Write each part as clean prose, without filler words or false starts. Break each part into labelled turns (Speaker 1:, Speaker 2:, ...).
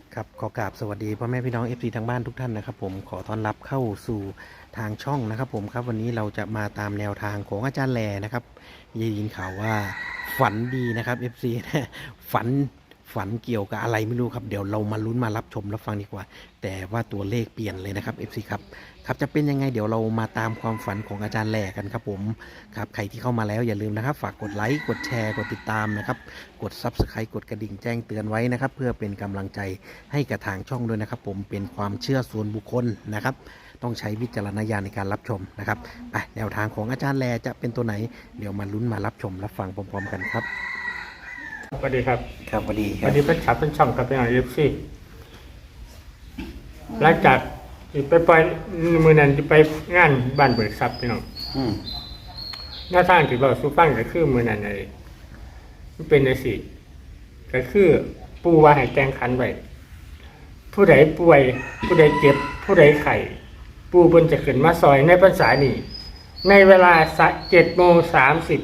Speaker 1: ครับขอกราบสวัสดีพ่อแม่พี่น้อง FC ทางบ้านทุกท่านนะครับผมขอต้อนรับเข้าสู่ทางช่องนะครับผมครับวันนี้เราจะมาตามแนวทางของอาจารย์แลนะครับได้ยินข่าวว่าฝันดีนะครับ FC นะฝันเกี่ยวกับอะไรไม่รู้ครับเดี๋ยวเรามาลุ้นมารับชมรับฟังดีกว่าแต่ว่าตัวเลขเปลี่ยนเลยนะครับ FC ครับจะเป็นยังไงเดี๋ยวเรามาตามความฝันของอาจารย์แลกันครับผมครับใครที่เข้ามาแล้วอย่าลืมนะครับฝากกดไลค์กดแชร์กดติดตามนะครับกด Subscribe กดกระดิ่งแจ้งเตือนไว้นะครับเพื่อเป็นกำลังใจให้กับทางช่องด้วยนะครับผมเป็นความเชื่อส่วนบุคคลนะครับต้องใช้วิจารณญาณในการรับชมนะครับไปแนวทางของอาจารย์แลจะเป็นตัวไหนเดี๋ยวมาลุ้นมารับชมรับฟังพร้อมๆกันครับ
Speaker 2: สวัสดีครับ
Speaker 1: ครับสวัสดีค
Speaker 2: ส
Speaker 1: รั
Speaker 2: วั
Speaker 1: บ
Speaker 2: สดีเพื่อนขับเพื่อนช่องครับเป็นอะไรซีหลังจากที่ไปปล่อยมือนั้นที่ไปงานบ้านเบิกทรัพย์พี่น้องหน้าทางที่เราสู้ฟังก็คือมือนั้นเลยมันเป็นในสิก็คือปูว่าให้แกงขันไว้ผู้ใดป่วยผู้ใดเจ็บผู้ใดไข้ปูเพิ่นจะขึ้นมาซอยในพรรษานี้ในเวลา7:30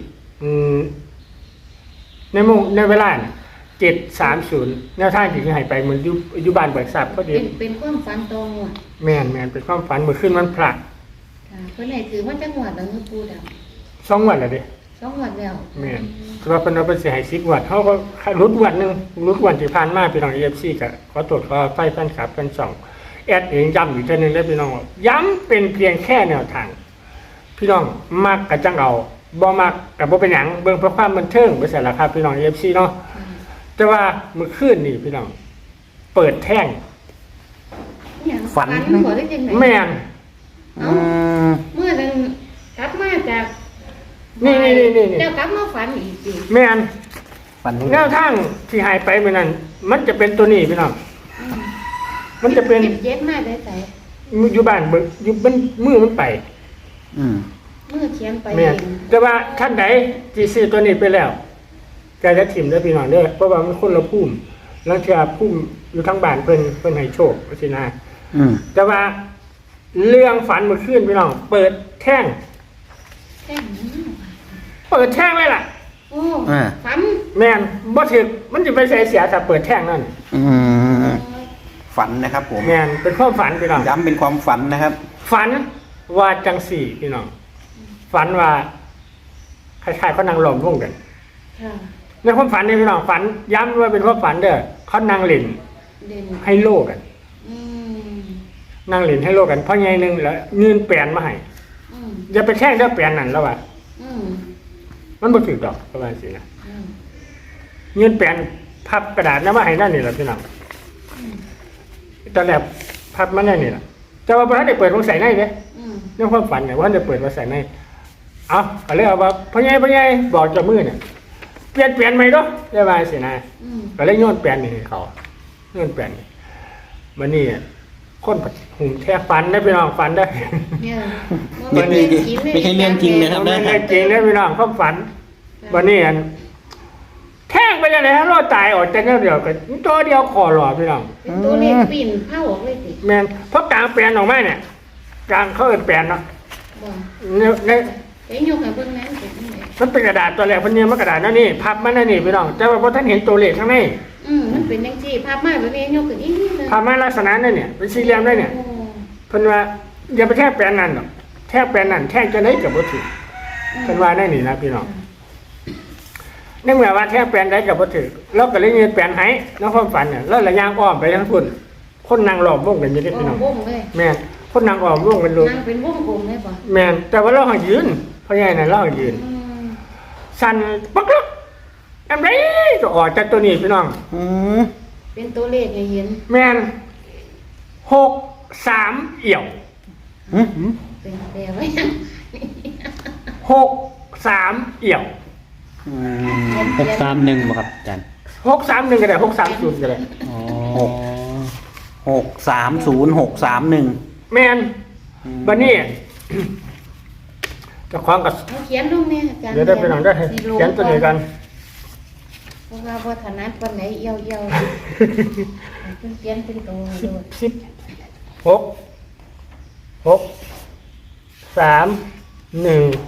Speaker 2: ในเวลา7:30แนวทางที่จะให้ไปมันอยู่บ้านเบิกทรัพย์พอดี
Speaker 3: เป็นความฝันตรงว่ะ
Speaker 2: แม่นเป็นความฝันเมื่อคืนวันพระ
Speaker 3: ค่ะเพิ่นให้ถือว่าจังหวัดแล้วปูดำ
Speaker 2: 2 วันแล้วเด้
Speaker 3: 2วันแล้ว
Speaker 2: แม่นแต่ว่าเพิ่นเอาไปสิให้10 วันเฮาก็รุดวันนึงรุดวันที่ผ่านมาพี่น้อง EFC ก็ขอโทษขออภัยแฟนคลับแฟนช่องแอดเองย้ำอีกเทื่อนึงเด้อพี่น้องว่าย้ำเป็นเพียงแค่แนวทางพี่น้องมักก็จังเอาบ่มักก็บ่เป็นหยังเบิ่งเพื่อความบันเทิงไปซั่นล่ะครับพี่น้อง EFC เนาะแต่ว่าเมื่อคืนนี่พี่น้องเปิดแท่ง
Speaker 3: ฝันหัวได้จังไหน
Speaker 2: แม่น
Speaker 3: เมื่อนั้นกลับมาจาก
Speaker 2: นี่
Speaker 3: เจ้ากลับมาฝันอีกสิ
Speaker 2: แม่น
Speaker 1: ฝัน
Speaker 2: แนวทางที่หายไปเมื่อนั้นมันจะเป็นตัวนี้พี่น้องมันจะเป็น
Speaker 3: เจ็ดมาได้ใส่
Speaker 2: อยู่บ้านเบิกอยู่มันมือมันไป
Speaker 3: มือเขียนไป
Speaker 2: แม่นแต่ว่าท่านใดที่ซื้อตัวนี้ไปแล้วก็จะถิ่มได้พี่น้องเด้อเพราะว่ามันคนละภูมิแล้วเชื่อภูมิอยู่ทั้งบ้านเพิ่นให้โชคสินะแต่ว่าเรื่องฝันเมื่อคืนพี่น้องเปิดแท่งเปิดแท่งเลยล่ะ
Speaker 3: โอ้ฝัน
Speaker 2: แม่นบ่ถึกมันจะไปเสียถ้าเปิดแท่งนั่น
Speaker 1: ฝันนะครับผม
Speaker 2: แม่นเป็นความฝันพี่น้อง
Speaker 1: ย้ำเป็นความฝันนะครับ
Speaker 2: ฝันว่าจังสี่พี่น้องฝันว่าคล้ายๆเขานั่งล้อมวงกันในความฝันนี่พี่น้องฝันย้ำว่าเป็นความฝันเด้อเขานั่งเล่นให้โลกันนั่งเล่นให้โลกันเพราะไงนึงแล้วเงินแปลนมาให้อย่าไปแช่งเด้อแปลนนั่นแล้วว่ะมันบ่ถูกดอกประมาณสินะเงินแปลนพับกระดาษน้ำมาให้นั่นนี่แหละพี่น้องตอนแรกพับมาได้นี่แหละแต่ว่าพระได้เปิดมาใส่ในเด้ในความฝันเนี่ยว่าจะเปิดมาใส่ในเอาก็เลยเอาว่าพ่อใหญ่บอกเจ้ามือเนี่ยเปลี่ยนใหม่ด้วยได้ไหมสินะก็เลยโยนเปลี่ยนนี่เขาโยนเปลี่ยนมันนี่คนหุ่มแท้ฝันได้พี่น้องฝันได้
Speaker 1: ไม่ใช่เรื่องจริงนะครับ
Speaker 2: ไม่ใช่จริงได้พี่น้องเขาฝันวันนี้แท่งไปยังไงฮะรอดตายออกจากเดียวกันตัวเดียวคอหล่อพี่น้อง
Speaker 3: ตัวเล็กปิ่นเผาออกเลยสิ
Speaker 2: แมนเพราะกลางเปลี่ยนออกมาเนี่ยกลางเขาเอิ้นเปลี่ยนเนาะเนี่ย
Speaker 3: ยกให้เบิ่งนั้น
Speaker 2: มันเป็นกระดาษตัวแรกมันเนี่ยมันกระดาษนั่นนี่พับมันนั่นนี่พี่น้องแต่ว่าพอท่านเห็นตัวเลขข้างใน
Speaker 3: มันเป็นจังซี่พับมาแบบนี้ยกขึ้นอีกนิดนึง
Speaker 2: พับมาลักษณะนั่นเนี่ยเป็นสี่เหลี่ยมได้เนี่ยเพิ่นว่าอย่าไปแค่แปลนนั่นหรอกแค่แปลนนั่นแค่จะได้กับบ่ถูกเพิ่นว่าได้นี่นะพี่น้องนั่นหมายว่าแค่แปลนได้กับบ่ถูกแล้วก็เลยเงินแปลนให้แล้วความฝันเนี่ยแล้วระยางอ้อมไปทั้งพุ่นคนนางหลอมวงกันอยู่ที่พี่น้องแม่คนนางอ้อมวงกันลูก
Speaker 3: นางเป็นวงกลมได้ป่ะ
Speaker 2: แม่แต่ว่าเรายืนเพราะไงน่ะเรายืนสั่นปักอันไหนก็ออกจากตัวนี้พี่น้อง
Speaker 3: เป็นตัวเลขให้เห็น
Speaker 2: แม่น63เอี่ยว
Speaker 3: เป็นแปลว่า
Speaker 2: 63เอี่ยว
Speaker 1: 631บ่ครับอาจารย์
Speaker 2: 631ก็ได้630ก็ได้
Speaker 1: 630 631
Speaker 2: แม่นบัดนี้จะคล้องกับ
Speaker 3: เขียนลงเนี่ยอาจารย์
Speaker 2: เดี๋ยวได้ไปหนังได้เขียนตัวนี้กัน
Speaker 3: เพราะว่าถนัดวันไหนเอี่ยวเขียนเป็นตัว
Speaker 2: 16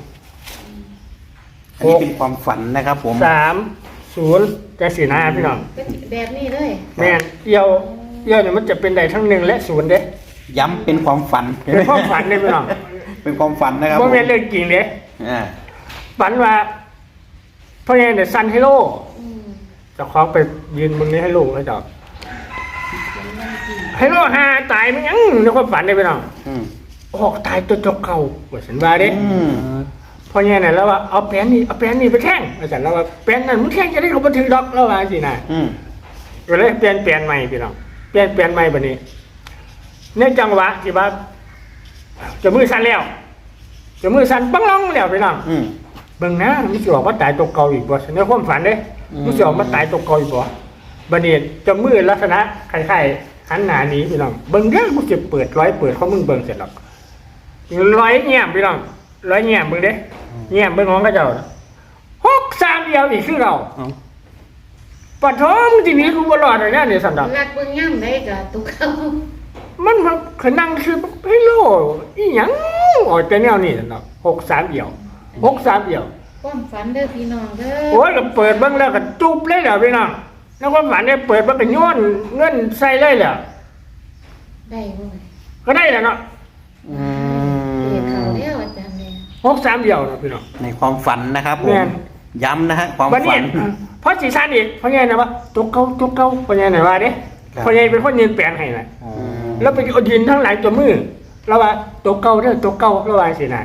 Speaker 1: อันนี้เป็นความฝันนะครับผม
Speaker 2: 30จะสีหน้าพี่น้อง
Speaker 3: แบบนี้เลย
Speaker 2: แม่นเอี่ยวเอี่ยวเนี่ยมันจะเป็นได้ทั้ง1และ0เด้
Speaker 1: ย้ำเป็นความฝัน
Speaker 2: เป็นความฝันเลยพี่น้อง
Speaker 1: เป็นความฝันนะครับ
Speaker 2: บ่แม่นเรื่องจริงเด้
Speaker 1: อ่า
Speaker 2: ฝันว่าพ่อใหญ่เนี่ยซันให้โล
Speaker 3: อืม
Speaker 2: เจ้าของไปยืนมึงนี้ให้ลูกให้ดอก
Speaker 3: เขียนวันจริง
Speaker 2: ให้โลหาตายมันยังในความฝันเลยพี่น้อง
Speaker 1: อืม
Speaker 2: ออกตายตัวจกเก่าว่าฉันว่าเด้
Speaker 1: อืม
Speaker 2: พ่อใหญ่เนี่ยแล้วว่าเอาแป้นนี่ไปแท่งว่าฉันแล้วว่าแป้นนั่นมึงแท่งจะได้เขาบันทึกดอกแล้วว่าสินะ
Speaker 1: อืม
Speaker 2: ก็เลยเปลี่ยนใหม่พี่น้องเปลี่ยนใหม่บัดนี้ในจังหวะที่ว่าจะมือสั่นแล้วจะมือสั่นปังลองแล้วพี่น้อง
Speaker 1: อืม
Speaker 2: เบิ่งนะมันสิออกมาตายตัวเก่าอีกบ่ในความฝันเด้
Speaker 1: อืม
Speaker 2: มันสิออกมาตายตัวเก่าอีกบ่บัดนี้จะมือลักษณะคล้ายๆหันหน้าหนี้พี่น้องเบิ่งเด้อกูสิเปิดของมึงเบิ่งเสร็จแล้วร้อยแง้มพี่น้องร้อยแง้มเบิ่งเด้แง้มเบิ่งของเขาเจ้า6-3เดียวอีกคือเรา
Speaker 1: เอา
Speaker 2: ปะท้องทีนี้กูบ่รอดเลยนะเนี่ยสันดอก
Speaker 3: รักเบิ่งย่ำได้ก็ตุกเขา
Speaker 2: มันมาขนังคือเฮ้ยโลอีหยังออกแต่แนวนี้สันดอก6-3เดียว6-3เดียว
Speaker 3: ความฝันเด้อพี่น้องเด้อ
Speaker 2: โอ้ยก็เปิดเบิ่งแล้วก็จุบเลยแหละพี่น้องแล้วความฝันเนี่ยเปิดมันก็โยนเงินใส่เลยแหละ
Speaker 3: ได้บ่
Speaker 2: ก็ได้แหละเนาะ
Speaker 1: อื
Speaker 3: เรียกเขา
Speaker 1: ม
Speaker 3: แล้วอาจารย์เนี่ย
Speaker 2: 6-3เดียวเนาะพี่น้อง
Speaker 1: ในความฝันนะครับผ
Speaker 2: แม่
Speaker 1: ม
Speaker 2: น
Speaker 1: ย้ำนะฮะความ
Speaker 2: วันนี้
Speaker 1: ฝัน
Speaker 2: เพราะสีสันอีกเพราะไงนะวะตุกเก่าเพราะไงนะว่าเด้
Speaker 1: ครับ
Speaker 2: เพราะไงเป็นคนยืนแปลนให้น่ะ
Speaker 1: อืม
Speaker 2: แล้วไปยืนทั้งหลังตัวมือแล้วว่าตัวเก่าเด้อตัวเก่าแล้วว่าสินะ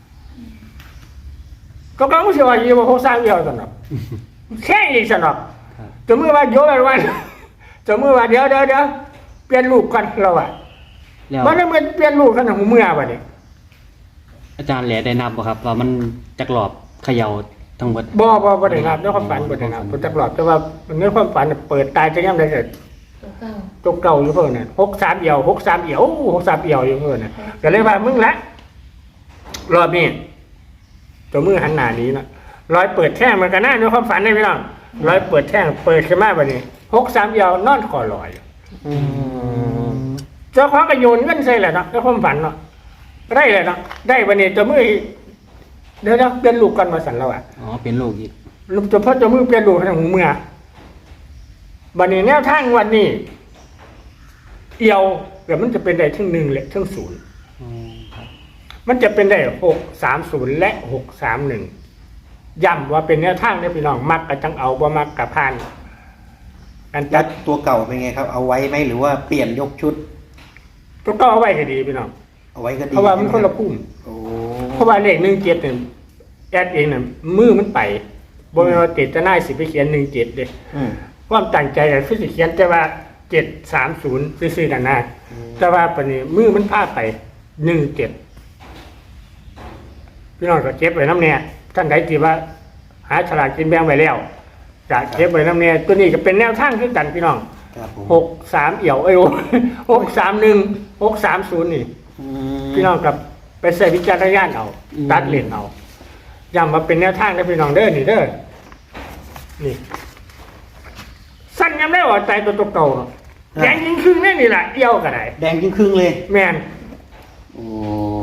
Speaker 2: ตัวเก่ามันสิว่าอยู่บ่6-3เดียวซั่นดอกแค่อีกซั่นดอกตัวมือว่าโยนไว้ตัวมือว่าเดี๋ยวเปลี่ยนลูกก่อนแล้วว่า
Speaker 4: แล้ว
Speaker 2: มันเมื่อเปลี่ยนลูกซั่นหูเมื่อบัดนี้
Speaker 4: อาจารย์แหล่ได้นับบ่ครับ ว่ามันจักรอบเขย่าทั้งหมด
Speaker 2: บ่ได้นับในความฝันบ่ได้นับบ่จักหลอดแต่ว่าในความฝันน่ะเปิดตายจะย่ำได้เสร็จ
Speaker 3: ตัวเก่า
Speaker 2: ตัวเก่าอยู่เพิ่นน่ะ6-3เอี่ยว6-3เอี่ยว6-3เอี่ยวอยู่เพิ่นน่ะก็เลยว่ามึงละรอบนี้ตัวมือหันหน้าหนี้เนาะร้อยเปิดแท่งมันก็น่าในความฝันได้พี่น้องร้อยเปิดแท่งเปิดขึ้นมาบัดนี้6-3เอี่ยวนอนคอลอย
Speaker 1: อืม
Speaker 2: เจ้าของก็โยนเงินใส่แหละเนาะในความฝันเนาะได้เลยเนาะได้บัดนี้ตัวมือเดี๋ยวเปลี่ยนลูกก่อนมาสั่นแล้วอ่ะ
Speaker 4: อ๋อเป็นลูกอีก
Speaker 2: ลูกตัวพ่อตัวมือเปลี่ยนลูกทางหูเมื่อบัดนี้แนวทางวันนี้เอี่ยวเดี๋ยวมันจะเป็นได้ทั้ง1และทั้ง0
Speaker 4: อ๋อครับ
Speaker 2: มันจะเป็นได้6-3-0และ6-3-1ย้ำว่าเป็นแนวทางเนี่ยพี่น้องมักกับจังเอาบ่มักกับพานอัน
Speaker 1: แล้
Speaker 2: จั
Speaker 1: ว
Speaker 2: ด
Speaker 1: ตัวเก่าเป็นไงครับ เอาไว้ไหมหรือว่าเปลี่ยนยกชุด
Speaker 2: ก็เอาไว้ก็ดีพี่น้อง
Speaker 1: เอาไว้ก็ดี
Speaker 2: เพราะว่ามันคนละพุ่ม
Speaker 1: โอ้
Speaker 2: เพราะว่าเลข17เนี่ยแอดเองเนี่ยมือมันไปบ่แม่นว่าเจตนาสิไปเขียน17เด้
Speaker 1: อืม
Speaker 2: ความตั้งใจก็คือสิเขียนแต่ว่า730ซื่อๆนั่นนะแต่ว่าปานนี้มือมันพาไป17พี่น้องก็เก็บไว้นำแน่ท่านใดที่ว่าหาฉลากกินแบ่งไว้แล้วจะเก็บไว้นำแน่ตัวนี้ก็เป็นแนวทางคือกันพี่น้อง
Speaker 1: ครับผม
Speaker 2: 6-3เอี่ยว6-3-1 6-30นี่
Speaker 1: อืม
Speaker 2: พี่น้องกับไปใส่วิจารณญาณเอาตัดเลนเอาย้ำมาเป็นแนวทางนะพี่น้องเด้อนี่เด้อนี่สั้นย้ำได้ว่าใจตัวเก่าเนาะแดงยิงครึ่งแน่นี่แหละเอี่ยวก็ได้
Speaker 1: แดงครึ่งๆเลย
Speaker 2: แม่น
Speaker 1: โอ้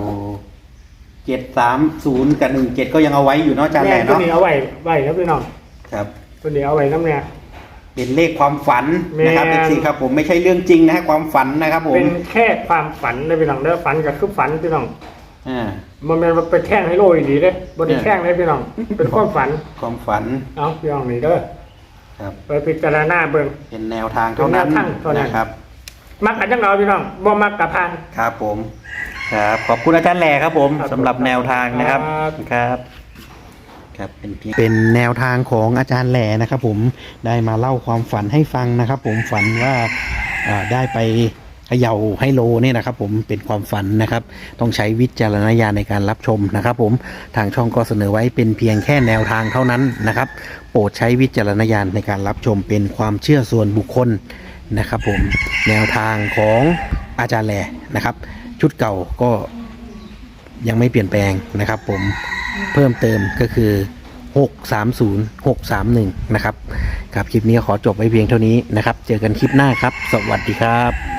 Speaker 1: 730กับ17ก็ยังเอาไว้อยู่เนาะอาจารย์แห
Speaker 2: แม่
Speaker 1: ล่
Speaker 2: นตัว
Speaker 1: เนาะ
Speaker 2: นี้เอาไว้นะพี่น้อง
Speaker 1: ครับ
Speaker 2: ตัวนี้เอาไว้น้ำเนี่ย
Speaker 1: เป็นเลขความฝันนะครับ
Speaker 2: แม่
Speaker 1: เอฟซีครับผมไม่ใช่เรื่องจริงนะฮะความฝันนะครับผม
Speaker 2: เป็นแค่ความฝันนะพี่น้องเด้อฝันก็คือฝันพี่น้อง
Speaker 1: อ่า
Speaker 2: มันเป็นไปแท่งให้โลอีดีเด้บ่ได้แท่งให้พี่น้อง เป็นความฝัน
Speaker 1: ความฝัน
Speaker 2: เอาพี่น้องนี่เด้อ
Speaker 1: ครับ
Speaker 2: ไปพิจารณาเบิ่ง
Speaker 1: เป็นแนวทางเท่านั้น
Speaker 2: เป็นแนวทางเท่านั้น
Speaker 1: นะครับ
Speaker 2: มักกันจังเราพี่น้องบ่มักกับพาน
Speaker 1: ครับผม ครับขอบคุณอาจารย์แหล่ครับผม
Speaker 2: ครับ
Speaker 1: สำหรับแนวทางนะครับ
Speaker 2: ครับ
Speaker 1: ครับเป็นแนวทางของอาจารย์แหล่นะครับผมได้มาเล่าความฝันให้ฟังนะครับผมฝันว่าได้ไปเขย่าไฮโลเนี่ยนะครับผมเป็นความฝันนะครับต้องใช้วิจารณญาณในการรับชมนะครับผมทางช่องก็เสนอไว้เป็นเพียงแค่แนวทางเท่านั้นนะครับโปรดใช้วิจารณญาณในการรับชมเป็นความเชื่อส่วนบุคคลนะครับผมแนวทางของอาจารย์แหล่นะครับชุดเก่าก็ยังไม่เปลี่ยนแปลงนะครับผมเพิ่มเติมก็คือ630 631นะครับครับคลิปนี้ขอจบไว้เพียงเท่านี้นะครับเจอกันคลิปหน้าครับสวัสดีครับ